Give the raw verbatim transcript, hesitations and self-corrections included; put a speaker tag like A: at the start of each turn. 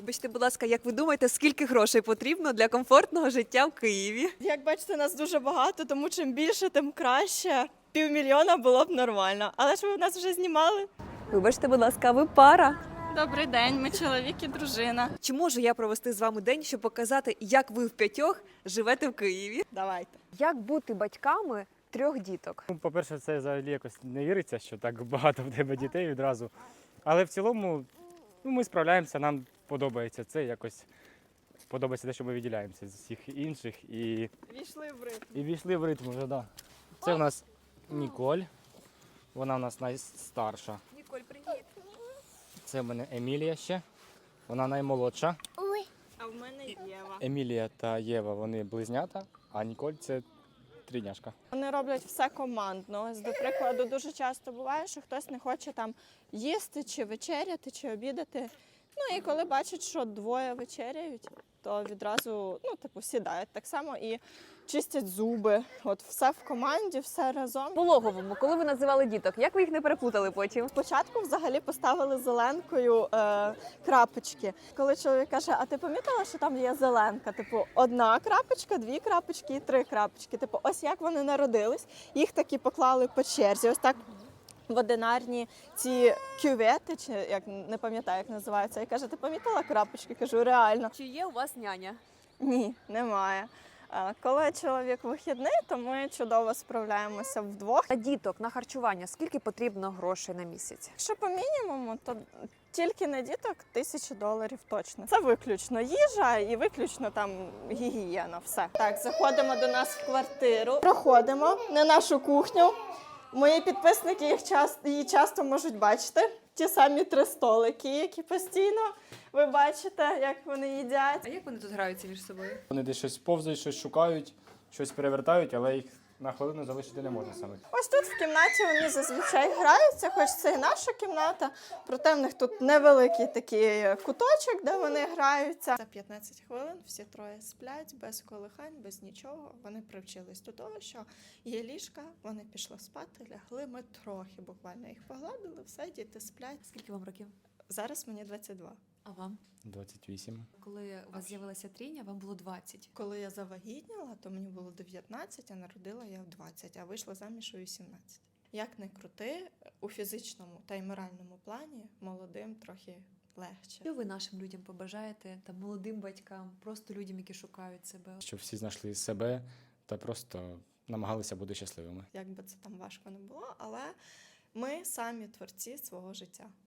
A: Вибачте, будь ласка, як ви думаєте, скільки грошей потрібно для комфортного життя в Києві?
B: Як бачите, нас дуже багато, тому чим більше, тим краще. Півмільйона було б нормально. Але ж ви в нас вже знімали.
A: Вибачте, будь ласка, ви пара.
B: Добрий день, ми чоловік і дружина.
A: Чи можу я провести з вами день, щоб показати, як ви в п'ятьох живете в Києві?
B: Давайте.
A: Як бути батьками трьох діток?
C: Ну, по-перше, це взагалі якось не віриться, що так багато в тебе дітей відразу. Але в цілому ну, ми справляємося, нам подобається це якось. Подобається те, що ми відділяємося з усіх інших і,
B: Війшли в ритм.
C: і війшли в ритм вже, да. Це в нас Ніколь, вона в нас найстарша.
A: Ніколь, привіт.
C: Це в мене Емілія ще, вона наймолодша.
B: А в мене Єва.
C: Емілія та Єва, вони близнята, а Ніколь це трійняшка.
B: Вони роблять все командно. Ось, до прикладу, дуже часто буває, що хтось не хоче там їсти, чи вечеряти, чи обідати. Ну і коли бачать, що двоє вечеряють, то відразу ну, типу, сідають. Так само і чистять зуби. От все в команді, все разом.
A: Пологовому, коли ви називали діток, як ви їх не переплутали потім?
B: Спочатку взагалі поставили зеленкою е, крапочки. Коли чоловік каже, а ти помітила, що там є зеленка? Типу, одна крапочка, дві крапочки і три крапочки. Типу, ось як вони народились, їх такі поклали по черзі. Ось так в одинарні ці кювети, чи як не пам'ятаю, як називаються. І каже, ти помітила крапочки? Кажу, реально.
A: Чи є у вас няня?
B: Ні, немає. Е, Коли чоловік вихідний, то ми чудово справляємося вдвох.
A: На діток, на харчування, скільки потрібно грошей на місяць?
B: Якщо по мінімуму, то тільки на діток тисячу доларів точно. Це виключно їжа і виключно там гігієна. Все. Так, заходимо до нас в квартиру, проходимо на нашу кухню. Мої підписники їх часто, її часто можуть бачити. Ті самі три столики, які постійно ви бачите, як вони їдять.
A: А як вони тут граються між собою?
C: Вони десь щось повзають, щось шукають, щось перевертають, але їх на хвилину залишити не можна саме.
B: Ось тут в кімнаті вони зазвичай граються, хоч це і наша кімната, проте в них тут невеликий такий куточок, де вони граються. За п'ятнадцять хвилин всі троє сплять, без колихань, без нічого. Вони привчились до того, що є ліжка, вони пішли спати, лягли. Ми трохи буквально їх погладили, все, діти сплять.
A: Скільки вам років?
B: Зараз мені двадцять два.
A: А вам?
C: двадцять вісім.
A: Коли у вас з'явилася трійня, вам було двадцять.
B: Коли я завагітніла, то мені було дев'ятнадцять, а народила я в двадцять, а вийшла заміж у вісімнадцять. Як не крути, у фізичному та й моральному плані молодим трохи легче.
A: Що ви нашим людям побажаєте, там, молодим батькам, просто людям, які шукають себе?
C: Щоб всі знайшли себе та просто намагалися бути щасливими.
B: Як би це там важко не було, але ми самі творці свого життя.